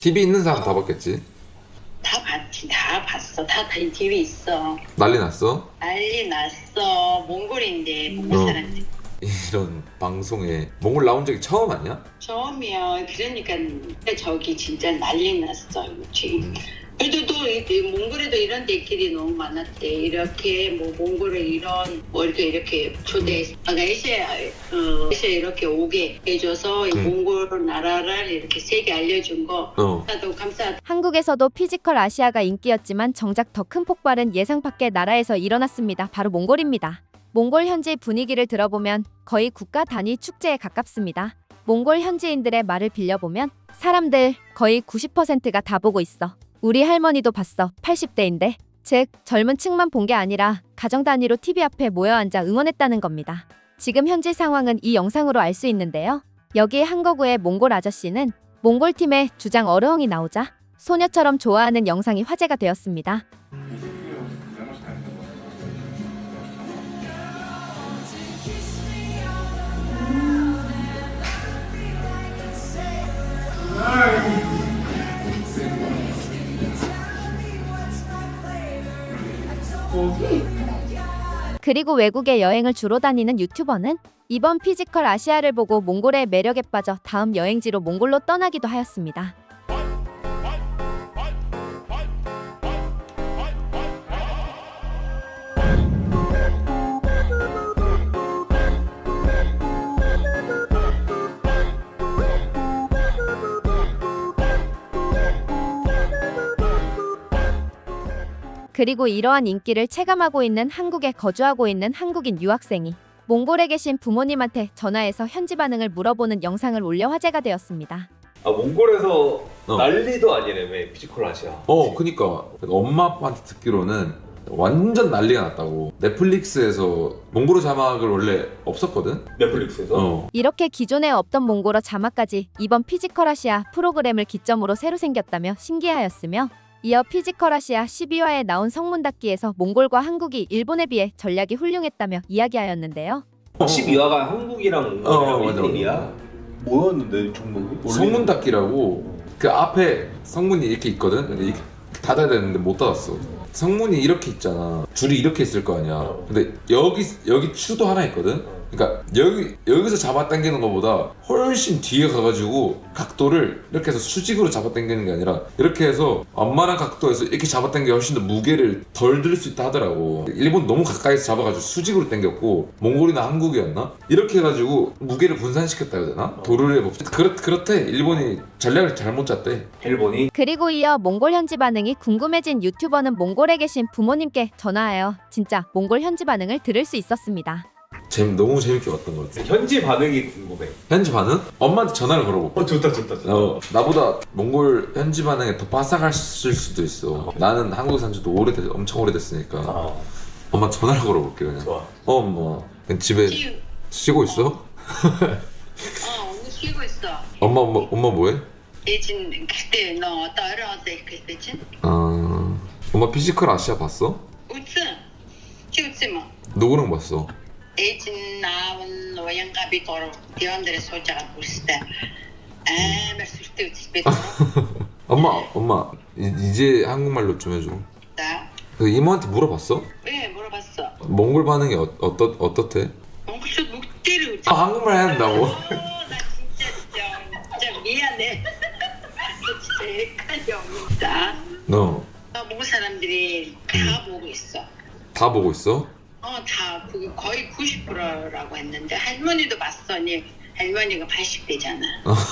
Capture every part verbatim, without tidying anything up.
티비 있는 사람 다 봤겠지? 다 봤지, 다 봤어. 다 티비 있어. 난리 났어? 난리 났어. 몽골인데 몽골 어. 사람들. 이런 방송에 몽골 나온 적이 처음 아니야? 처음이야. 그러니까 저기 진짜 난리 났어. 지금. 음. 그래도 또 이- 이 몽골에도 이런 데끼리 너무 많았대. 이렇게 뭐 몽골에 이런 뭐 이렇게 이렇게 초대해서 아시아 어 아시아 이렇게 오게 해줘서 이 음. 몽골 나라를 이렇게 세계 알려준 거 어. 나도 감사. 한국에서도 피지컬 아시아가 인기였지만 정작 더 큰 폭발은 예상 밖의 나라에서 일어났습니다. 바로 몽골입니다. 몽골 현지 분위기를 들어보면 거의 국가 단위 축제에 가깝습니다. 몽골 현지인들의 말을 빌려보면 사람들 거의 구십 퍼센트가 다 보고 있어. 우리 할머니도 봤어. 팔십 대인데. 즉 젊은 층만 본 게 아니라 가정 단위로 티비 앞에 모여 앉아 응원했다는 겁니다. 지금 현지 상황은 이 영상으로 알 수 있는데요. 여기 한거구의 몽골 아저씨는 몽골 팀의 주장 어르엉이 나오자 소녀처럼 좋아하는 영상이 화제가 되었습니다. 그리고 외국에 여행을 주로 다니는 유튜버는 이번 피지컬 아시아를 보고 몽골의 매력에 빠져 다음 여행지로 몽골로 떠나기도 하였습니다. 그리고 이러한 인기를 체감하고 있는 한국에 거주하고 있는 한국인 유학생이 몽골에 계신 부모님한테 전화해서 현지 반응을 물어보는 영상을 올려 화제가 되었습니다. 아 몽골에서 어. 난리도 아니라며 피지컬 아시아. 어, 그니까 엄마 아빠한테 듣기로는 완전 난리가 났다고. 넷플릭스에서 몽골어 자막을 원래 없었거든? 넷플릭스에서. 어. 이렇게 기존에 없던 몽골어 자막까지 이번 피지컬 아시아 프로그램을 기점으로 새로 생겼다며 신기하였으며 이어 피지컬 아시아 십이 화에 나온 성문 닫기에서 몽골과 한국이 일본에 비해 전략이 훌륭했다며 이야기하였는데요. 십이 화가 한국이랑 어, 몽골이랑 맞아, 일 대일이야. 뭐였는데 종목이? 성문 닫기라고 그 앞에 성문이 이렇게 있거든? 근데 이렇게 닫아야 되는데 못 닫았어. 성문이 이렇게 있잖아. 줄이 이렇게 있을 거 아니야. 근데 여기 여기 추도 하나 있거든. 그러니까 여기 여기서 잡아당기는 것보다 훨씬 뒤에 가가지고 각도를 이렇게 해서 수직으로 잡아당기는 게 아니라 이렇게 해서 완만한 각도에서 이렇게 잡아당겨 훨씬 더 무게를 덜 들 수 있다 하더라고. 일본 너무 가까이서 잡아가지고 수직으로 당겼고 몽골이나 한국이었나? 이렇게 해가지고 무게를 분산시켰다 해야 되나? 도르의 법칙. 그렇, 그렇대. 일본이 전략을 잘못 짰대. 일본이. 그리고 이어 몽골 현지 반응이 궁금해진 유튜버는 몽골에 계신 부모님께 전화하여 진짜 몽골 현지 반응을 들을 수 있었습니다. 재미, 너무 재밌게 봤던 것 같아. 현지 반응이 궁금해. 현지 반응? 엄마한테 전화를 걸어볼게. 어 좋다 좋다 좋다. 어, 나보다 몽골 현지 반응에 더 바삭했을 수도 있어. 나는 한국에 산 지도 오래됐, 엄청 오래됐으니까. 아 엄마 전화를 걸어볼게 그냥. 좋아. 어, 엄마. 그냥 집에 쉬, 쉬고 있어? 어 오늘 쉬고 있어. 엄마, 엄마, 엄마 뭐해? 예진 그때 너 따라왔대 그때쯤? 아, 엄마 피지컬 아시아 봤어? 웃음. 웃지 마. 누구랑 봤어? 예진 나온 노양갑이 걸어 대원들의 소자가 보실 때 아말 쓸데없이 뱉어. 엄마, 엄마. 이, 이제 한국말로 좀 해줘. 나? 그 이모한테 물어봤어? 왜 물어봤어? 몽골 반응이 어, 어떻, 어떻대? 엉클쇼 묵대를 웃지. 아, 한국말 해야 된다고? 어, 나 진짜 진짜, 진짜 미안해. 너 진짜 헷갈려. 너 나 몽골 사람들이 다 보고 있어. 다 보고 있어? 어, 다 그 거의 구십 퍼센트라고 했는데 할머니도 봤더니 할머니가 팔십 대잖아.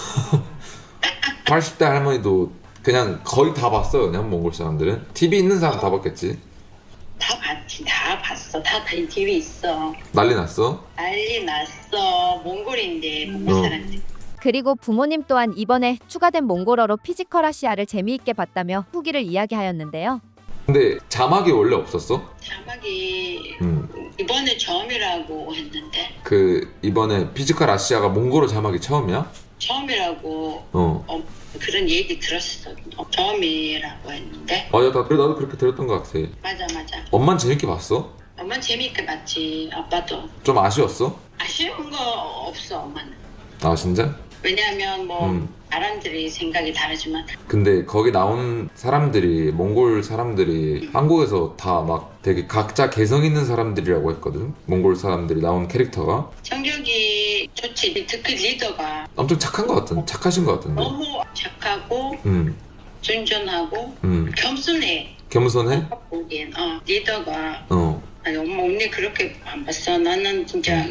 팔십 대 할머니도 그냥 거의 다 봤어. 그냥 몽골 사람들은. 티비 있는 사람 다 봤겠지? 다 봤지, 다 봤어. 다 티비 있어. 난리 났어? 난리 났어. 몽골인데 몽골 어. 사람들. 그리고 부모님 또한 이번에 추가된 몽골어로 피지컬 아시아를 재미있게 봤다며 후기를 이야기하였는데요. 근데 자막이 원래 없었어? 자막이 음. 이번에 처음이라고 했는데 그 이번에 피지컬 아시아가 몽골어 자막이 처음이야? 처음이라고 어. 어, 그런 얘기 들었어. 어, 처음이라고 했는데 맞아, 나, 그래, 나도 그렇게 들었던 것 같아. 맞아 맞아. 엄만 재밌게 봤어? 엄마 재밌게 봤지. 아빠도 좀 아쉬웠어? 아쉬운 거 없어 엄마는. 아, 진짜? 왜냐하면 뭐 음. 사람들이 생각이 다르지만 근데 거기 나온 사람들이 몽골 사람들이 한국에서 다 막 되게 각자 개성 있는 사람들이라고 했거든. 몽골 사람들이 나온 캐릭터가 성격이 좋지. 특히 리더가 엄청 착한 것 같은 착하신 것 같은데. 너무 착하고 음, 순전하고 음, 겸손해. 겸손해? 보기엔 어, 리더가 어, 아니 엄마 언니 그렇게 안 봤어. 나는 진짜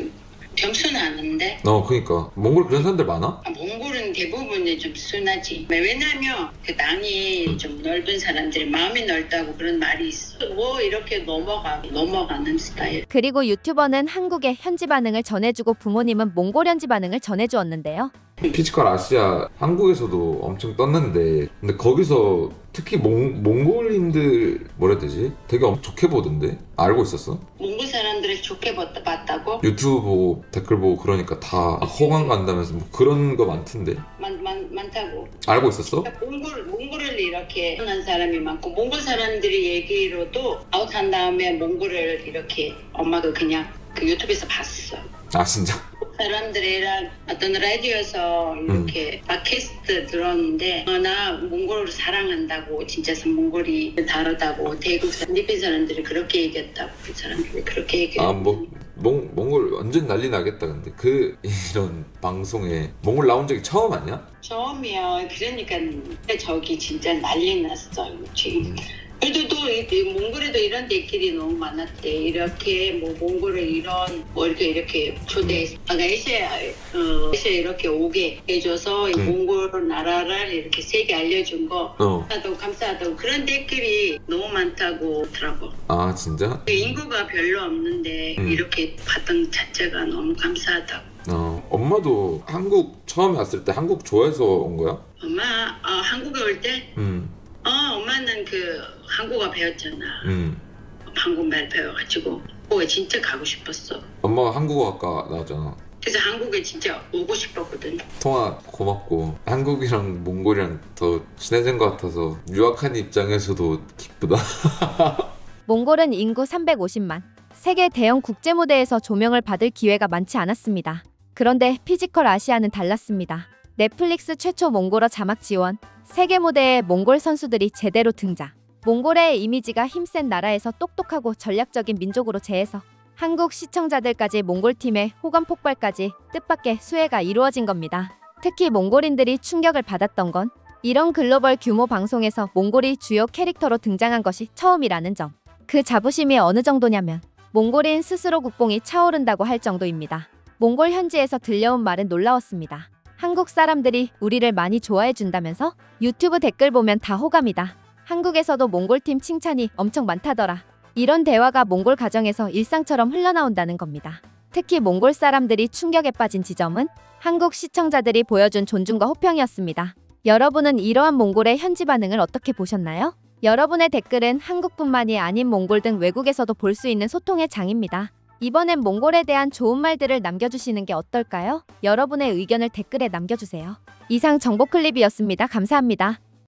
겸손하는데 어, 그니까 몽골 그런 사람들 많아? 아, 몽골은 대부분이 좀 순하지. 왜냐면 그 땅이 좀 넓은 사람들이 마음이 넓다고 그런 말이 있어. 뭐 이렇게 넘어가 넘어가는 스타일. 그리고 유튜버는 한국의 현지 반응을 전해주고 부모님은 몽골 현지 반응을 전해주었는데요. 피지컬 아시아 한국에서도 엄청 떴는데 근데 거기서 특히 몽, 몽골인들 뭐라 해야 되지? 되게 엄청 좋게 보던데? 알고 있었어? 몽골 사람들을 좋게 봤- 봤다고? 유튜브 보고 댓글 보고 그러니까 다 호감 간다면서 뭐 그런 거 많던데 많, 많, 많다고. 알고 있었어? 몽골, 몽골을 이렇게 한 사람이 많고 몽골 사람들이 얘기로도 아웃한 다음에 몽골을 이렇게 엄마가 그냥 그 유튜브에서 봤어. 아 진짜? 사람들이랑 어떤 라디오에서 이렇게 팟캐스트 들었는데 어, 나 몽골을 사랑한다고 진짜 몽골이 다르다고 대국 사람, 필리핀 사람들이 그렇게 얘기했다고 그 사람들이 그렇게 얘기했다고. 아뭐 몽골 완전 난리 나겠다. 근데 그 이런 방송에 몽골 나온 적이 처음 아니야? 처음이야. 그러니까 저기 진짜 난리 났어 지금. 그래도 또 이- 이 몽골에도 이런 데끼리 너무 많았대. 이렇게 뭐 몽골을 이런 뭐 이렇게 이렇게 초대해서 아까 에시아 어 에시아 이렇게 오게 해줘서 이 음. 몽골 나라를 이렇게 세계 알려준 거 어. 감사하다고 감사하다고 그런 데끼리 너무 많다고 하더라고. 아 진짜? 인구가 별로 없는데 음. 이렇게 봤던 자체가 너무 감사하다고. 어. 엄마도 한국 처음에 왔을 때 한국 좋아해서 온 거야? 엄마 어, 한국에 올 때 음. 어, 엄마는 그 한국어 배웠잖아. 음. 한국말 배워가지고 한국에 진짜 가고 싶었어. 엄마가 한국어학과 나왔잖아. 그래서 한국에 진짜 오고 싶었거든. 통화 고맙고 한국이랑 몽골이랑 더 친해진 것 같아서 유학한 입장에서도 기쁘다. 몽골은 인구 삼백오십만, 세계 대형 국제 무대에서 조명을 받을 기회가 많지 않았습니다. 그런데 피지컬 아시아는 달랐습니다. 넷플릭스 최초 몽골어 자막 지원, 세계 무대에 몽골 선수들이 제대로 등장. 몽골의 이미지가 힘센 나라에서 똑똑하고 전략적인 민족으로 재해서 한국 시청자들까지 몽골팀의 호감 폭발까지 뜻밖의 수혜가 이루어진 겁니다. 특히 몽골인들이 충격을 받았던 건 이런 글로벌 규모 방송에서 몽골이 주요 캐릭터로 등장한 것이 처음이라는 점. 그 자부심이 어느 정도냐면 몽골인 스스로 국뽕이 차오른다고 할 정도입니다. 몽골 현지에서 들려온 말은 놀라웠습니다. 한국 사람들이 우리를 많이 좋아해 준다면서? 유튜브 댓글 보면 다 호감이다. 한국에서도 몽골팀 칭찬이 엄청 많다더라. 이런 대화가 몽골 가정에서 일상처럼 흘러나온다는 겁니다. 특히 몽골 사람들이 충격에 빠진 지점은 한국 시청자들이 보여준 존중과 호평이었습니다. 여러분은 이러한 몽골의 현지 반응을 어떻게 보셨나요? 여러분의 댓글은 한국뿐만이 아닌 몽골 등 외국에서도 볼 수 있는 소통의 장입니다. 이번엔 몽골에 대한 좋은 말들을 남겨주시는 게 어떨까요? 여러분의 의견을 댓글에 남겨주세요. 이상 정보 클립이었습니다. 감사합니다.